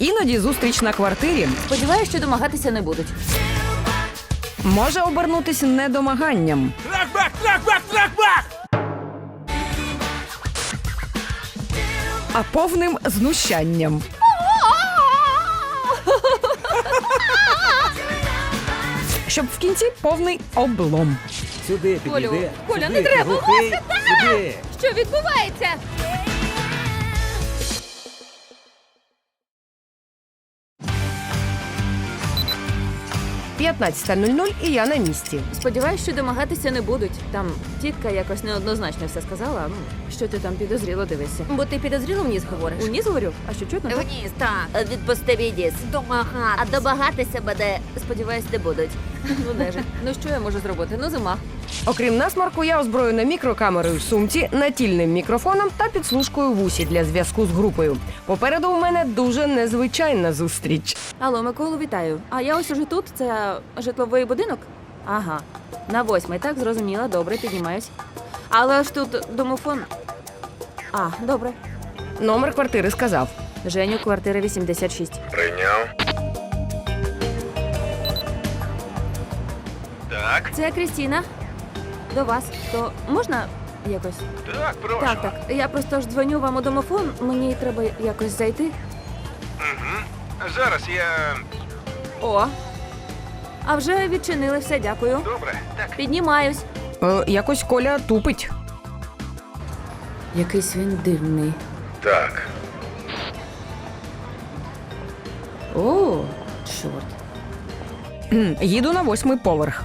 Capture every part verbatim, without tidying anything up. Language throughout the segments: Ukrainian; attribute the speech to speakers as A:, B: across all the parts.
A: Іноді зустріч на квартирі
B: Сподіваюсь, що домагатися не будуть.
A: може обернутися недомаганням.
C: Трак-бак, трак-бак, трак-бак!
A: А повним знущанням. Щоб в кінці повний облом.
C: Сюди підійди.
B: Колю, Коля,
C: Сюди,
B: не треба,
C: глухий, сюди.
B: Що відбувається?
A: п'ятнадцята нуль нуль і я на місці.
B: Сподіваюсь, що домагатися не будуть. Там тітка якось неоднозначно все сказала. Ну, що ти там підозріло дивишся?
D: Бо ти підозріло вниз говориш.
B: У ніс говорю? А що чутно? так?
D: Вниз, так. Відпусти відіс. Домагатися. А домагатися буде, сподіваюсь, не будуть.
B: Ну де ж? Ну що я можу зробити? Ну зима.
A: Окрім насморку, я озброєна мікрокамерою в сумці, натільним мікрофоном та підслужкою в усі для зв'язку з групою. Попереду у мене дуже незвичайна зустріч.
B: Алло, Миколу, вітаю. А я ось уже тут. Це житловий будинок? Ага. На восьмий, так, зрозуміла. Добре, піднімаюсь. Але ж тут домофон. А, добре.
A: Номер квартири сказав.
B: Женю, квартира вісімдесят шість.
C: Прийняв. Так,
B: Це Крістіна. До вас. То можна якось?
C: так, прошу.
B: Так, так. Я просто ж дзвоню вам у домофон. Мені треба якось зайти.
C: Угу. Зараз я...
B: О. А вже відчинили все, дякую.
C: Добре, так.
B: Піднімаюсь.
A: Е, якось Коля тупить.
B: Якийсь він дивний.
C: Так.
B: О, чорт.
A: Кхм, їду на восьмий поверх.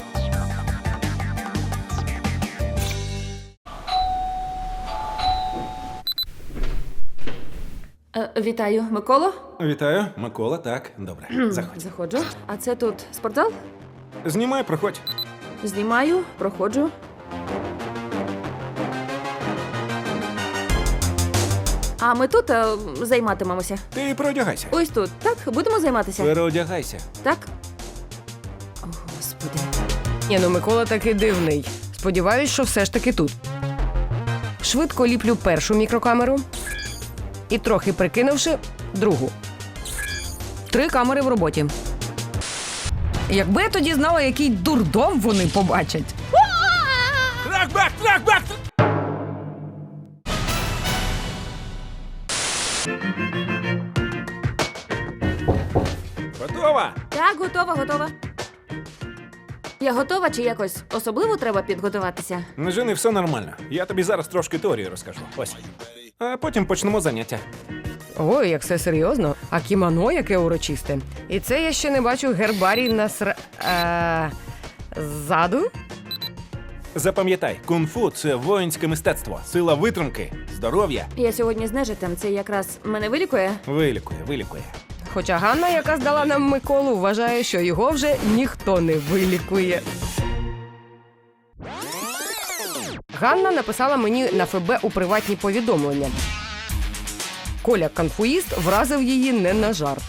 B: Е, вітаю, Миколо.
E: Вітаю, Микола, так, добре, заходь.
B: Заходжу. А це тут спортзал?
E: Знімай, проходь.
B: Знімаю, проходжу. А ми тут е, займатимемося.
E: Ти переодягайся.
B: Ось тут. Так, будемо займатися.
E: Переодягайся.
B: Так? О, Господи.
A: Ні, ну Микола таки дивний. Сподіваюсь, що все ж таки тут. Швидко ліплю першу мікрокамеру і, трохи прикинувши, другу. Три камери в роботі. Якби я тоді знала, який дурдом вони побачать.
C: Трак-бак, трак-бак!
E: Готова?
B: Так, готова, готова. Я готова чи якось особливо треба підготуватися?
E: Не жени, все нормально. Я тобі зараз трошки теорії розкажу. Ось. А потім почнемо заняття.
A: Ой, як все серйозно. А кімоно яке урочисте. І це я ще не бачу гербарій на сра... Е... ззаду?
E: Запам'ятай, кунг-фу – це воїнське мистецтво, сила витримки, здоров'я.
B: Я сьогодні з нежитем, це якраз мене вилікує?
E: Вилікує, вилікує.
A: Хоча Ганна, яка здала нам Миколу, вважає, що його вже ніхто не вилікує. Ганна написала мені на ФБ у приватні повідомлення. Коля конфуїст вразив її не на жарт.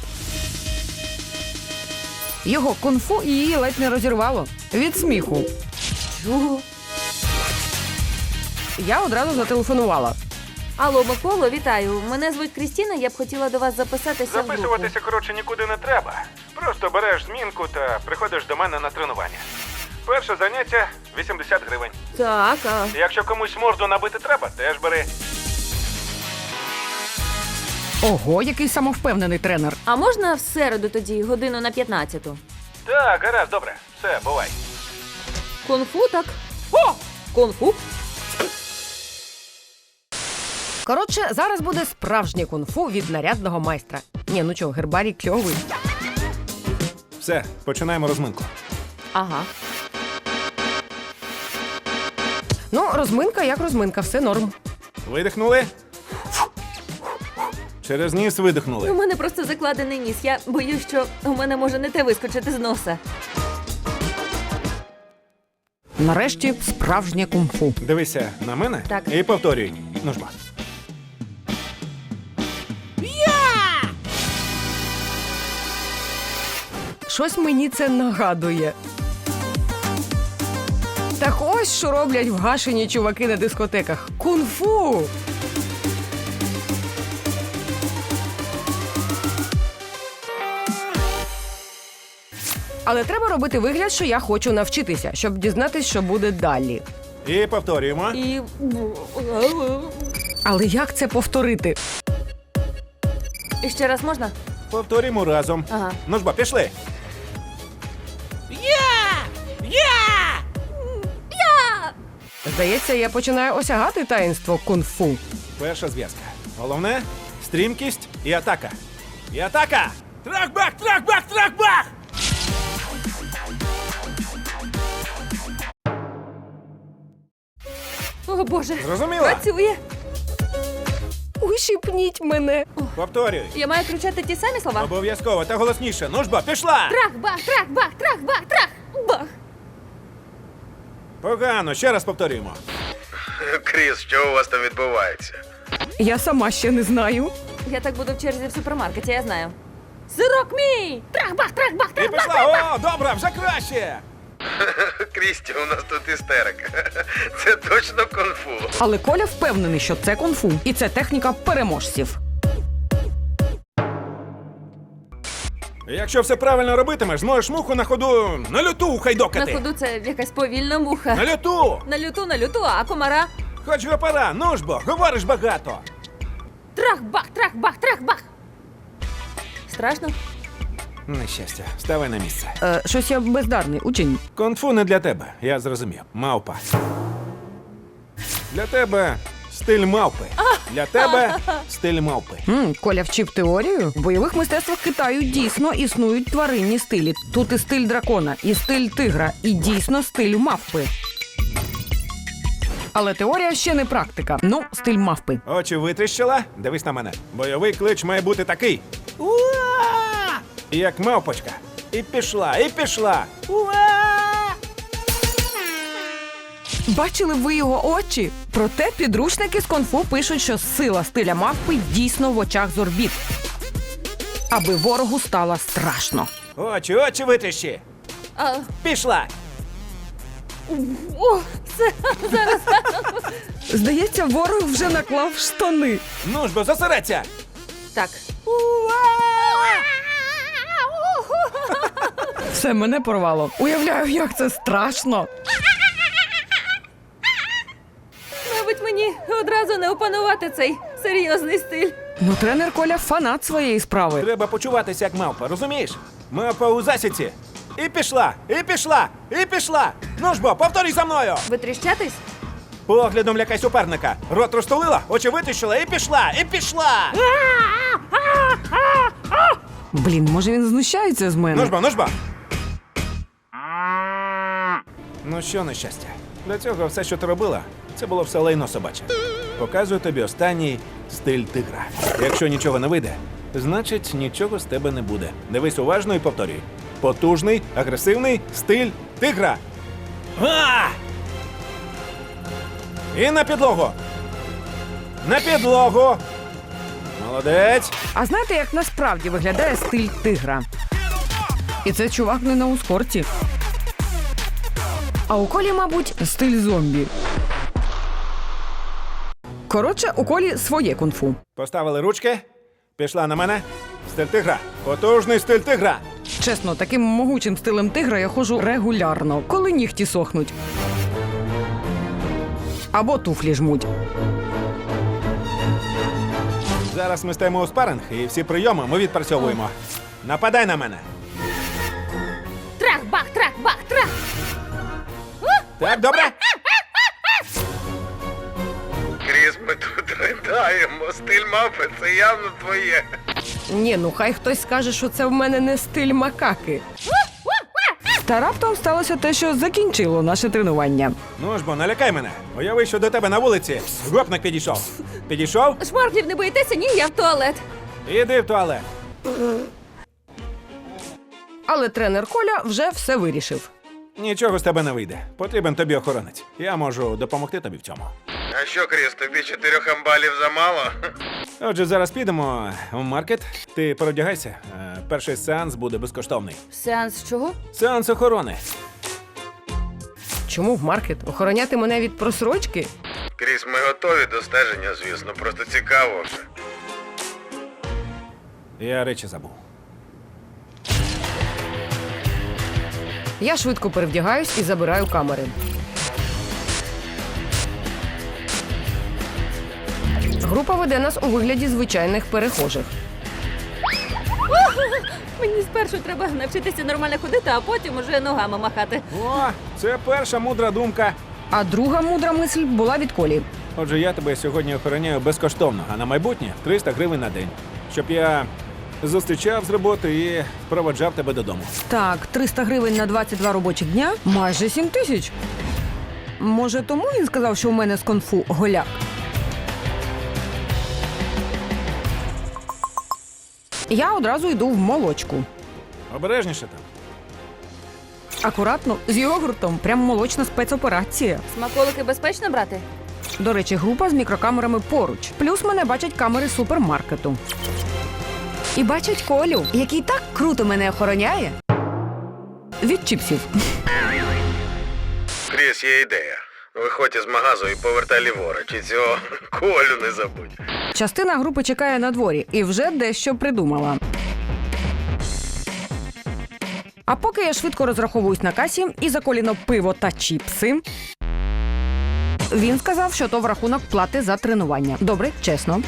A: Його кунг-фу її ледь не розірвало. Від сміху.
B: Чого?
A: Я одразу зателефонувала.
B: Алло, Миколо, вітаю. Мене звуть Крістіна, я б хотіла до вас записатися в групу.
E: Записуватися, коротше, нікуди не треба. Просто береш змінку та приходиш до мене на тренування. Перше заняття – вісімдесят гривень.
B: Так, а...
E: Якщо комусь морду набити треба, теж бери.
A: Ого, який самовпевнений тренер.
B: а можна в середу тоді, годину на п'ятнадцяту?
E: Так, гаразд, добре. Все, бувай.
B: Кунг-фу, так? О! Кунг-фу?
A: Коротше, зараз буде справжнє кунг-фу від нарядного майстра. Ні, ну чого, гербарій кльовий.
E: Все, починаємо розминку.
B: Ага.
A: Ну, розминка як розминка, все норм.
E: Видихнули. Через ніс
B: У
E: видихнули.
B: мене просто закладений ніс. Я боюсь, що у мене може не те вискочити з носа.
A: Нарешті справжнє кунг-фу.
E: Дивися на мене
B: Так.
E: і повторюй. Ну ж ба.
A: Щось мені це нагадує. Так ось що роблять вгашені чуваки на дискотеках. Кунг-фу! Але треба робити вигляд, що я хочу навчитися, щоб дізнатись, що буде далі.
E: І повторюємо.
B: І.
A: Але як це повторити?
B: І ще раз можна?
E: Повторюємо разом.
B: Ага.
E: Ну ж бо, пішли.
A: Здається, я починаю осягати таїнство кунг-фу.
E: Перша зв'язка. Головне – стрімкість і атака. І атака!
C: Трах-бах, трах-бах, трах-бах!
B: О, Боже.
E: Зрозуміла?
B: Працює.
A: Ущипніть мене.
E: Повторюй.
B: Я маю кричати ті самі слова?
E: Обов'язково та голосніше. Ну ж бо, пішла!
B: Трах, бах, трах, бах, трах, бах, трах, бах.
E: Погано, ще раз повторюємо.
C: Кріс, що у вас там відбувається?
A: Я сама ще не знаю.
B: Я так буду в черзі в супермаркеті, я знаю. Сирок мій! Трах, бах, трах, бах,
E: І
B: трах, бах.
E: пішла! О, добре, вже краще!
C: Крісті, у нас тут істерика. Це точно кунг-фу.
A: Але Коля впевнений, що це кунг-фу. І це техніка переможців.
E: Якщо все правильно робитимеш, зможеш муху на ходу на люту
B: На
E: хайдокати.
B: ходу це якась повільна муха.
E: На люту!
B: На люту, на люту, а комара?
E: Хоч гопара, ну ж бо, говориш багато.
B: Трах, бах, трах, бах, трах, бах. Страшно?
E: Нещастя, ставай на місце.
A: Е, щось я бездарний учень.
E: Кунг-фу не для тебе, я зрозумів. Мавпа. Для тебе стиль мавпи. Для тебе стиль мавпи.
A: М, Коля вчив теорію. В бойових мистецтвах Китаю дійсно існують тваринні стилі. Тут і стиль дракона, і стиль тигра, і дійсно стиль мавпи. Але теорія ще не практика. Ну, стиль мавпи.
E: Очі витріщила? Дивись на мене. Бойовий клич має бути такий. Уа! Як мавпочка. І пішла, і пішла. Уа!
A: Бачили б ви його очі? Проте підручники з кунг-фу пишуть, що сила стиля мавпи дійсно в очах зорбіт. Аби ворогу стало страшно.
E: Очі, очі витріщи.
B: А,
E: Пішла.
B: о, це зараз.
A: Здається, ворог вже наклав штани.
E: Ну ж бо, зосередься.
B: Так.
A: Все мене порвало. Уявляю, як це страшно.
B: Мабуть, мені одразу не опанувати цей серйозний стиль.
A: Ну, тренер Коля фанат своєї справи.
E: Треба почуватися як мавпа, розумієш? Мавпа у засідці. І пішла, і пішла, і пішла. Ну ж бо, повторюй за мною.
B: Витріщатись?
E: Поглядом лякай суперника. Рот розтулила, очі витріщила і пішла, і пішла.
A: Блін, може він знущається з
E: Ну ж
A: мене?
E: бо, ну ж бо. Ну що, нещастя? Для цього все, що ти робила, це було все лайно собаче. Показую тобі останній стиль тигра. Якщо нічого не вийде, значить нічого з тебе не буде. Дивись уважно і повторюй. Потужний, агресивний стиль тигра. Га! І на підлогу. На підлогу. Молодець.
A: А знаєте, як насправді виглядає стиль тигра? І це чувак не на ускорці. А у Колі, мабуть, стиль зомбі. Коротше, у Колі своє кунг-фу.
E: Поставили ручки. Пішла на мене. Стиль тигра. Потужний стиль тигра.
A: Чесно, таким могучим стилем тигра я ходжу регулярно, коли нігті сохнуть. Або туфлі жмуть.
E: Зараз ми стаємо у спаринг і всі прийоми ми відпрацьовуємо. Нападай на мене.
B: Трах, бах, трах, бах, трах.
E: Так, добре?
C: Кріс, ми тут ридаємо. Стиль мавпи – це явно твоє.
A: Ні, ну хай хтось скаже, що це в мене не стиль макаки. Та раптом сталося те, що закінчило наше тренування.
E: Ну ж бо, налякай мене. Уяви, що до тебе на вулиці гопник підійшов. Підійшов?
B: Шмарклів не боїтеся? Ні, я в туалет.
E: Іди в туалет.
A: Але тренер Коля вже все вирішив.
E: Нічого з тебе не вийде. Потрібен тобі охоронець. Я можу допомогти тобі в цьому.
C: А що, Кріс, тобі чотирьох амбалів замало?
E: Отже, зараз підемо в маркет. Ти переодягайся. Е, Перший сеанс буде безкоштовний.
B: Сеанс чого?
E: Сеанс охорони.
A: Чому в маркет? Охороняти мене від просрочки?
C: Кріс, ми готові до стеження, звісно, просто цікаво вже.
E: Я речі забув.
A: Я швидко перевдягаюсь і забираю камери. Група веде нас у вигляді звичайних перехожих.
B: Мені спершу треба навчитися нормально ходити, а потім уже ногами махати.
E: О, це перша мудра думка.
A: А друга мудра мисль була від Колі.
E: Отже, я тебе сьогодні охороняю безкоштовно, а на майбутнє триста гривень на день. Щоб я зустрічав з роботи і проводжав тебе додому.
A: Так, триста гривень на двадцять два робочих дня – майже сім тисяч. Може, тому він сказав, що у мене з конфу голяк? Я одразу йду в молочку.
E: Обережніше там.
A: Акуратно, з йогуртом. Прям молочна спецоперація.
B: Смаколики безпечно брати?
A: До речі, група з мікрокамерами поруч. Плюс мене бачать камери супермаркету. І бачать Колю, який так круто мене охороняє. Від чіпсів.
C: Кріс, є ідея. Виходь із магазу і повертай ліворуч. І цього Колю не забудь.
A: Частина групи чекає на дворі і вже дещо придумала. А поки я швидко розраховуюсь на касі і за Коліно пиво та чіпси, він сказав, що то в рахунок плати за тренування. Добре, чесно.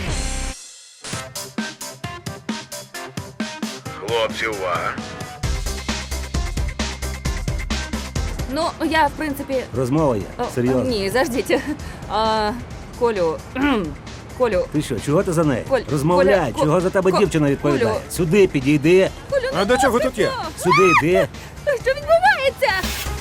C: Хлопці, увага.
B: Ну, я, в принципі...
F: Розмова є.
B: О,
F: Серйозно.
B: Ні, заждіть. А, Колю... Колю...
F: Ти що, чого ти за нею?
B: Коль,
F: Розмовляй,
B: Коля,
F: чого за тебе
B: Ко-
F: дівчина відповідає?
B: Колю.
F: Сюди підійди,
E: А до чого тут є?
F: сюди йди.
B: Що відбувається?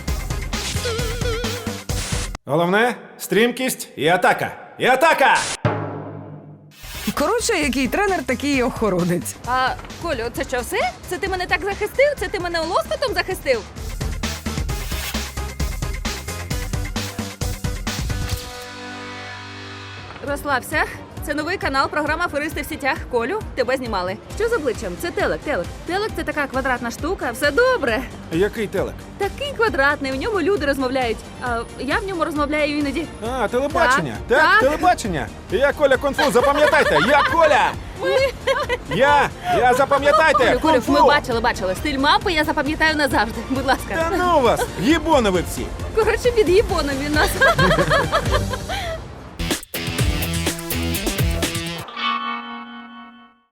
E: Головне – стрімкість і атака. І атака!
A: Коротше, який тренер, такий і охоронець.
B: А, Колю, це що, все? Це ти мене так захистив? Це ти мене лоскотом захистив? Розслабся. Це новий канал, програма «Аферисти в сітях». Колю, тебе знімали. Що з обличчям? Це телек, телек. Телек – це така квадратна штука. Все добре.
E: Який телек?
B: Такий квадратний, в ньому люди розмовляють. А я в ньому розмовляю іноді.
E: А, телебачення.
B: Так,
E: Так,
B: так.
E: телебачення. Я Коля Кунг-фу, запам'ятайте. Я Коля. Я, я запам'ятайте.
B: Колю, Колю,
E: Кунг-фу.
B: ми бачили, бачили. Стиль мапи я запам'ятаю назавжди. Будь ласка.
E: Та ну вас, їбони ви всі.
B: Коротше, під їбоном він нас.